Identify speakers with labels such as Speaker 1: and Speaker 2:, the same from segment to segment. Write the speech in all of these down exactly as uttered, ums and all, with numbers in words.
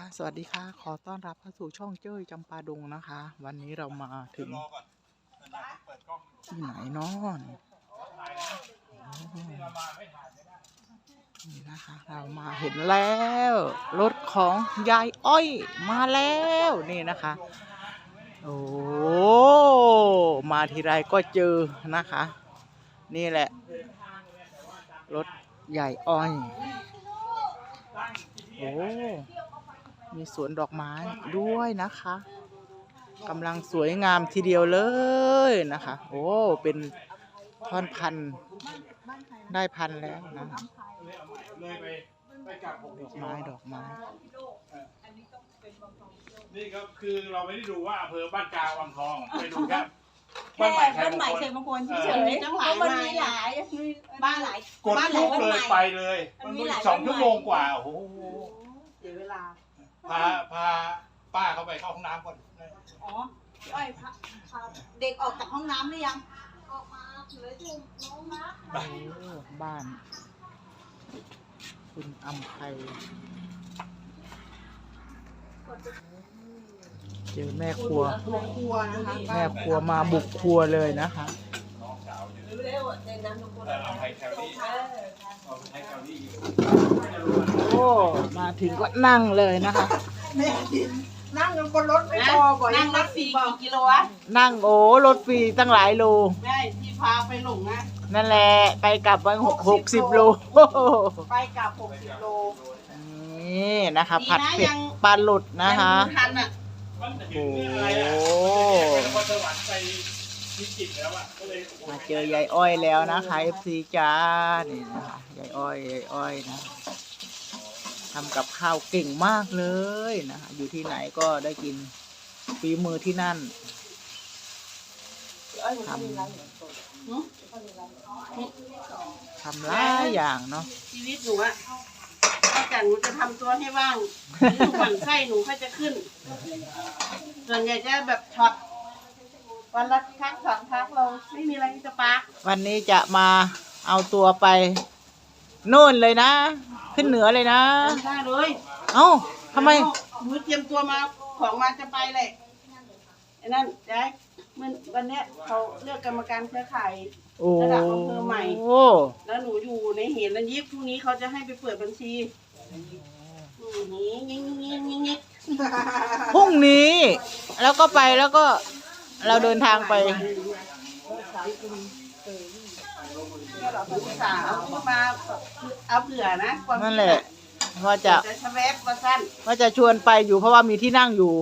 Speaker 1: สวัสดีค่ะขอต้อนรับเข้าสู่ช่องเจ้ยจำปาดงนะคะ วันนี้เรามาถึงที่ไหนเนาะนี่นะคะเรามาเห็นแล้วรถของยายอ้อยมาแล้วนี่นะคะโอ้มาทีไรก็เจอนะคะ นี่แหละรถยายอ้อยโอ้มีสวนดอกไม้ด้วยนะคะกำลังสวยงามทีเดียวเลยนะคะโอ้เป็นท่อนพันได้พันแล้วนะดอกไม้ดอกไม้
Speaker 2: นี่ก็คือเราไม่ได้ดูว่าอำเภอบ้านกาวังทองไปดูแค่
Speaker 3: แค่บ้านใหม่ชัยมงคลเฉยๆทั้งหลายมันมีหลายบ้านหลาย
Speaker 2: กดลุกเลยไปเลยมันสองชั่วโมงกว่าโอ้โห
Speaker 3: เสียเวลา
Speaker 2: พาพาป้าเขาไปเข้าห้องน้ำก่อน
Speaker 3: อ๋อพี่อ้อยพาพาเด็กออกจากห้องน้ำหรือยังออกมาเหลือจุ่มน้องนะ
Speaker 1: บ้านคุณอำไพเจอแม่ครัวแม่ครัวมาบุกครัวเลยนะคะโอ้มาถึงก็นั่งเลยนะคะ
Speaker 3: นั่งกันบนรถไม่พอบ่อยนั่งรถฟรีกี่กิโลวะ
Speaker 1: นั่งโอ้รถฟรีตั้งหลายโล
Speaker 3: ใช่ที่พาไปหลงนะ
Speaker 1: นั่นแหละไปกลับวันหกสิบโล
Speaker 3: ไปกลับหกสิบโล
Speaker 1: นี่นะคะผัดเผ็ดปลาหลุดนะคะโอ้มาเจอยายอ้อยแล้วนะคะเอฟซีจ้านี่นะคะยายอ้อยยายอ้อยนะทำกับข้าวเก่งมากเลยนะคะอยู่ที่ไหนก็ได้กินฝีมือที่นั่นทำทำหลายอย่างเนาะ
Speaker 3: ชีวิตหนูอะถ้าจากหนูจะทำตัวให้ว่างหนูหมั่นไส้หนูก็จะขึ้นส่วนใหญ่จะแบบช็อตวันละครั้งสองครั้งเราไม่มีอะไรจะปา
Speaker 1: วันนี้จะมาเอาตัวไปโน่นเลยนะขึ้นเหนือเลยนะ
Speaker 3: ได้เลย
Speaker 1: เอ้าทำไม
Speaker 3: หนูเตรียมตัวมาของมาจะไปเลยไอ้นั่นยายมันวันเนี้ยเขาเลือกกรรมการเครือข่ายระดับอำเภอใหม่แล้วหนูอยู่ในเหตุและยิบพรุ่งนี้เขาจะให้ไปเปิดบัญชีนี่ยิงยิงยิงยิง
Speaker 1: พรุ่งนี้แล้วก็ไปแล้วก็เราเดินทางไป
Speaker 3: มาเอาเผื่อนะ
Speaker 1: นั่นแหละว่าจะ
Speaker 3: ว่า
Speaker 1: จะชวนไปอยู่เพราะว่ามีที่นั่งอยู่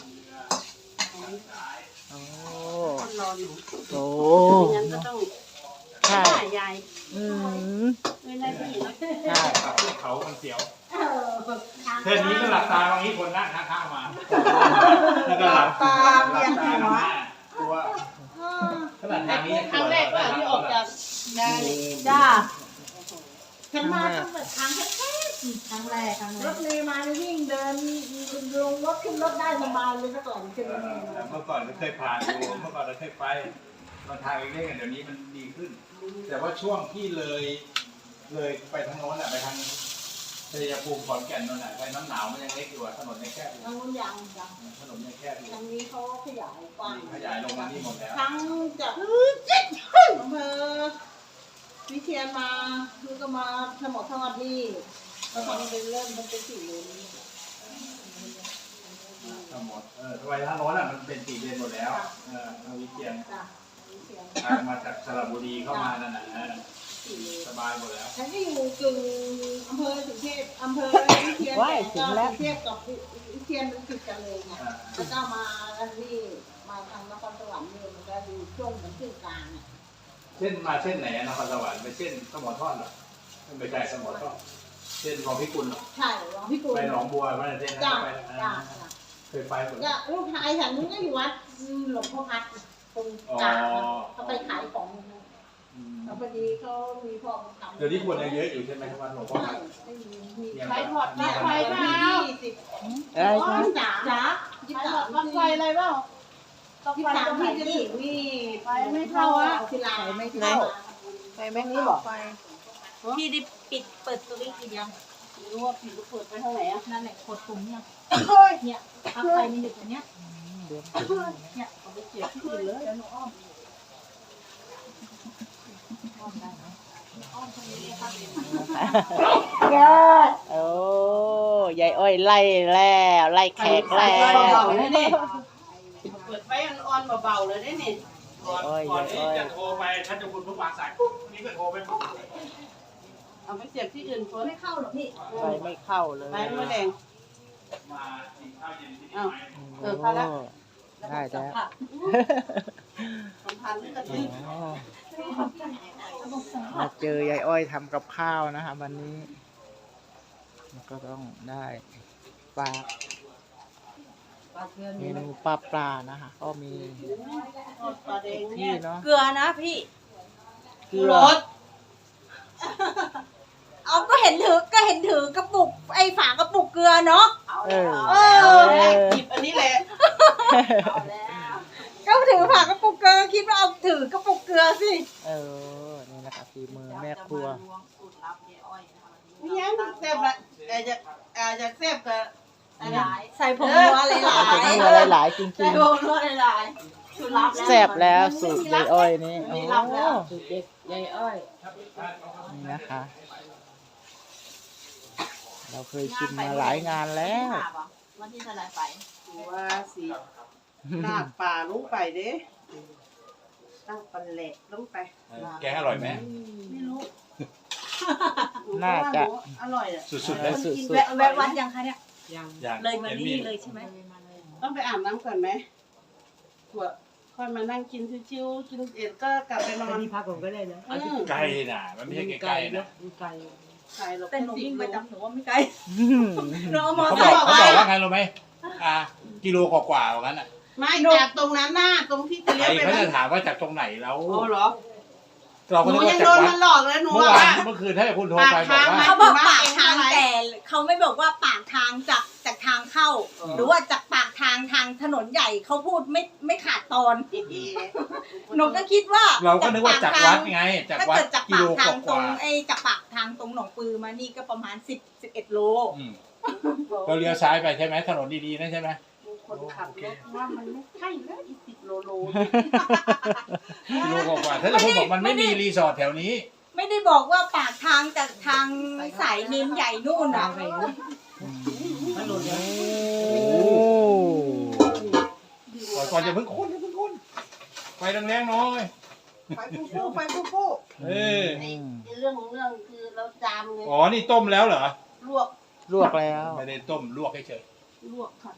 Speaker 1: โอ้ใช่อืม
Speaker 2: ใช่เขามันเสียวเท่านี้ก็หลับตาบางทีคนนั่งข้างๆมาแล้วก็หลับตาเรียนหัวตัวขนาดทางนี้
Speaker 3: ครั้งแรกว่าที่ออกจากจ้าฉันมาตั้งแต่ครั้งแค่ครั้งแรกรถเมล์มาวิ่งเดินลงรถขึ้นรถได้สบายเลยเมื่อก่อนใช่ไหม
Speaker 2: เมื่อก่อนเราเคยผ่านดูเมื่อก่อนเราเคยไปมาทางเล็กๆกันเดี๋ยวนี้มันดีขึ้นแต่ว่าช่วงที่เลยเลยไปทางโน้นอ่ะไปทางชัยภูมิขอนแก่นโน่นอ่ะไปน้ำหนาวมันยังเล็กอยู่อ่ะถนนยังแคบอยู่
Speaker 3: ทางนู้นยังยัง
Speaker 2: ถนนยังแคบอยู่
Speaker 3: ทางนี้เขาขยายกว้าง
Speaker 2: ขยายลงมาที่หมดแล้ว
Speaker 3: ทั้งจากอำเภอวิเชียรมาคือก็มาสมอสวัสดีแล้วเขาเป็นเริ่มมันเป็นสี่เลน
Speaker 2: ทั้งหมดเออทำไมทางโน้นอ่ะมันเป็นสี่เลนหมดแล้วเออทางวิเชียรทางมาจากสระบุรีเข้ามานั่นแหละสบายหมดแล้ว
Speaker 3: ฉันก็อยู่กึ่งอำเภอสุเทพอำเภอวิเชียรแต่ก็สุเทพกับวิเชียรมันติดกันเลยไงแล้วก็มาอันนี้มาทางนครสวรรค์เนี่ยมันก็อยู่ช่วงเหมือนขึ้นกลางเนี่ย
Speaker 2: เส้นมาเส้นไหนนครสวรรค์ไปเส้นสมอทอดหรอไม่ใช่สมอทอดเส้นของพี่กุลหรอ
Speaker 3: ใช่ของพี่กุล
Speaker 2: ไปหนองบัวไม่ใช่เส้นนั้นไปเคยไปหมด
Speaker 3: ลูกชายฉันก็อยู่วัดหลวงพ่อพัดตรงกลางเขาไปขายของพอดีเขามีพ่อทำ
Speaker 2: เดี๋ยวนี้คนยังเยอะอยู่ใช่ไหมครับหลวงพ่อพัด
Speaker 3: ใช้ถอดปลั๊กไฟเปล่า
Speaker 1: อะไร
Speaker 3: จ๋าจ๋าใช้ถอดปลั๊กไฟอะไรเปล่าที่สามที่จะถึงนี่ไฟไม่เข้าอ่ะที่ลายไม่เข้า
Speaker 1: ไฟไม่นี่บอก
Speaker 3: พี่ได้ปิดเปิดตัวนี้กี่ยังไม่รู้ว่าผิดหรือเปิดไปทางไหนอ่ะ
Speaker 4: นั่นแหละกดปุ่มเนี่ย
Speaker 3: โอ้ย
Speaker 4: เนี่ยพักไฟมันอยู่ตรงเนี้ย
Speaker 1: เดี๋ยว
Speaker 4: เนี่ย
Speaker 3: เอาไปเสียบที่อื่นเลย
Speaker 4: เดี๋ยวหนูอ้อมอ้อมได้ไหมอ้อมตรงนี้เลยค่ะ
Speaker 1: โอ้ยายอ้อยไล่แล้วไล่แขกแล้
Speaker 3: เบาว ๆเลยนี่เปิดไฟอ่อนๆเบาๆเลยได้นี่
Speaker 2: ก่อน
Speaker 1: โอ้ย
Speaker 2: ก่อนที่
Speaker 1: โอ้ย
Speaker 2: จะโทรไปท่านเจะคุณผู้วางสายปุ๊บวันนี้ก็โทรไปปุ๊บ
Speaker 3: เอาไปเสียบที่อื่นเฟิร์น
Speaker 4: ไม่เข้าหรอกพี่
Speaker 1: ไฟไม่เข้าเลย
Speaker 3: ไฟไม่แดง
Speaker 2: มากินข้าวเย็นที่นี่
Speaker 3: อ้าว
Speaker 2: ไหม
Speaker 3: เออเข้าแล้ว
Speaker 1: ได้แล้ว
Speaker 4: ค่ะ
Speaker 3: สัมพันธ์กันสิ
Speaker 1: อ๋อมาเจอยายอ้อยทำกับข้าวนะคะวันนี้ก็ต้องได้ปลาเมนูปลาปลานะคะ ก็มี
Speaker 3: ทอดปลาแดง
Speaker 1: ที่
Speaker 3: เนี่ย
Speaker 1: เนาะ
Speaker 4: เกลือนะพี่
Speaker 1: เกลือ
Speaker 3: รส
Speaker 4: เอาก็เห็นถือก็เห็นถือกระปุกไอ้ฝากระปุกเกลือเนาะ
Speaker 1: เออ
Speaker 4: เอ
Speaker 3: เอ
Speaker 4: อ
Speaker 3: อหยิบอันนี้แหละ
Speaker 4: ก็ถือฝากระปุกเกลือคิดว่าเอาถือกระปุกเกลือสิ
Speaker 1: เออนี่นะคะฝีมือแม่ครัว
Speaker 3: นี่ยังแซ่บละแต่จะอาจจะแซ่บกับอะไร
Speaker 4: ใส่ผงนัวหลาย
Speaker 1: ใส่ผง
Speaker 4: ๆ
Speaker 1: นัวหลายๆจริง
Speaker 4: ใส่ผงนัวหลายๆสูตรลับ
Speaker 1: ๆแซ่บแล้วสูตรยายอ้อยนี่โอ้
Speaker 3: มีรับแล้ว
Speaker 4: ยายอ้อย
Speaker 1: นี่นะคะ เราเคยชิมมาหลายงานแล้ว
Speaker 4: วันที่เท่าไหร่ไป
Speaker 3: ว่าสิลากป่าลงไปเด้ลากปลาแหลกลงไป
Speaker 2: แกงอร่อยไหม
Speaker 3: ไม่รู้
Speaker 1: น่าจะ
Speaker 3: อร่อยอ่ะ
Speaker 2: สุดๆเลย
Speaker 1: สุด
Speaker 4: แวะแวะวัดยังคะเนี่ย
Speaker 2: อย่าง
Speaker 4: เลยมา
Speaker 2: ห็
Speaker 4: นี่เลยใช่ไหม
Speaker 3: ต้องไปอาบน้ำก่อนไหมขวดค่อยมานั่งกินชิวๆกินเอ็ดก็กลับไปนอน
Speaker 5: ที่พักผมก็ได้นะ
Speaker 3: อืม
Speaker 2: ไกลน่ะ มันไม่ใช่ใกล้ๆนะ
Speaker 5: ไกล
Speaker 3: ใช่หรอก
Speaker 4: แต่หนูวิ่งไปจำหนูว่าไม่ไกล
Speaker 1: อืม
Speaker 4: หนูเอามอ
Speaker 2: เขา
Speaker 4: ไซ
Speaker 2: บอก
Speaker 4: ค์
Speaker 2: เขา
Speaker 4: ไป
Speaker 2: บอกว่าไงรู้ไหมอ่ากิโลกว่าๆว่างั้นอ่ะ
Speaker 3: ไม่จากตรงนั้นหน้าตรงที่จะ
Speaker 2: ใค
Speaker 3: เลี้
Speaker 2: ร
Speaker 3: ยวไป
Speaker 2: เขา
Speaker 3: นั่
Speaker 2: จะ
Speaker 3: น
Speaker 2: ถามว่าจากตรงไหนแล้ว
Speaker 3: โอ้เหรอ
Speaker 2: เรา
Speaker 3: ห
Speaker 2: ก็
Speaker 3: นู
Speaker 2: นึก
Speaker 3: ยั
Speaker 2: ว่าง จากวัด
Speaker 3: โดนมันหลอกเลยหนู
Speaker 2: เมื่อ
Speaker 3: อะ
Speaker 2: วาน
Speaker 3: ว่า
Speaker 2: เมื่อคืนถ้าคุณโทรไปบอกว่า
Speaker 4: เขาบอกปากทางแต่เขาไม่บอกว่าปากทางจากจากทางเข้า หรือว่าจากปากทางทางถนนใหญ่เขาพูดไม่ไม่ขาดตอน หนูก็คิดว่า
Speaker 2: เราก็นึกว่าจากวัดไง จาก
Speaker 4: ถ้า
Speaker 2: วัด
Speaker 4: เกิดจาก
Speaker 2: กิ
Speaker 4: ปา
Speaker 2: โล
Speaker 4: ก
Speaker 2: ก
Speaker 4: ทางตร
Speaker 2: ว่าง
Speaker 4: ไอ้จากปากทางตรงหนองปือมานี่ก็ประมาณสิบสิบเอ็ดโล
Speaker 2: ๆอืมเราเลี้ยวซ้ายไปใช่ไหมถนนดีๆนะใช่ไหม
Speaker 3: คนขับรถว่ามันไม่ใช่แล้วอีสิบโลโล
Speaker 2: กิโลกว่าๆถ้าจะพูดบอกมันไม่มีรีสอร์ทแถวนี้
Speaker 4: ไม่ได้บอกว่าปากทางจากทางสายนินใหญ่นู่นอ่ะ
Speaker 5: มันหล่นแล้ว
Speaker 2: โอ้ก่อนจะเพิ่งคุ้นอย่าเพิ่งคุ้นไฟแรงๆหน้อย
Speaker 3: ไปฟูฟูไปฟูฟู
Speaker 2: เออ
Speaker 3: ไอ้เรื่องของเรื่องคือเราจามไง
Speaker 2: อ๋อนี่ต้มแล้วเหรอ
Speaker 3: ลวก
Speaker 1: ลวกแล้ว
Speaker 2: ไม่ได้ต้มลวกเฉย
Speaker 3: ลวกค่ะ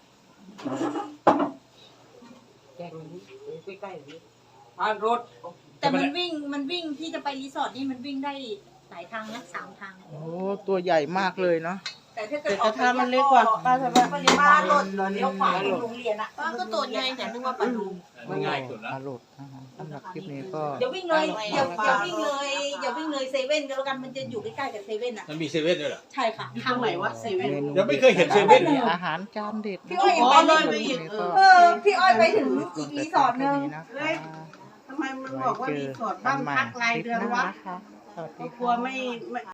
Speaker 5: แจ้งมันใกล้ๆนี้ผ่านรถ
Speaker 4: แต่มันวิ่งมันวิ่งที่จะไปรีสอร์ทนี่มันวิ่งได้หลายทางนะสามทาง
Speaker 1: โอ้ตัวใหญ่มากเลยเนาะ
Speaker 4: แต่ถ้าเกิ
Speaker 3: แต่
Speaker 4: ด
Speaker 3: กระทะมันเล็กกว่าป้าทำไม
Speaker 4: ปริมาณรถเลี้ยวขวาไปโรงเรียนอ่ะ
Speaker 3: ป้าก็ตัวใหญ่แต่นึกว่าปลาลูก
Speaker 2: ๆมันง่ายสุดแล้ว
Speaker 1: มาหลุดนะคะสำหรับคลิปนี้ก็
Speaker 4: อย่าวิ่งเลยอย่าอย่าวิ่งเลยอย่าวิ่งเลยเซเว่นก็แล้วกันมันจะอยู่ใกล้ๆกับเซเว่นอ่ะ
Speaker 2: มันมีเซเว่นด้วยเหรอ
Speaker 4: ใช่ค่ะ
Speaker 3: ทางไหนวะเซเว่น
Speaker 1: เมนู
Speaker 2: ยังไม่เคยเห็นเซเว่นเลย
Speaker 1: อาหารจานเด็ด
Speaker 4: พี่อ้อย
Speaker 3: อ๋อเลยไปอีก
Speaker 4: เออพี่อ้อยไปถึงอีกรีสอร์ทหนึง
Speaker 3: เฮ้ย ทำไมมันบอกว่ารีสอร์ทบ้านพักรายเดือนวะ
Speaker 1: สวัสดี
Speaker 3: ก็กลัว
Speaker 1: ค่ะ
Speaker 3: ไม่ไม่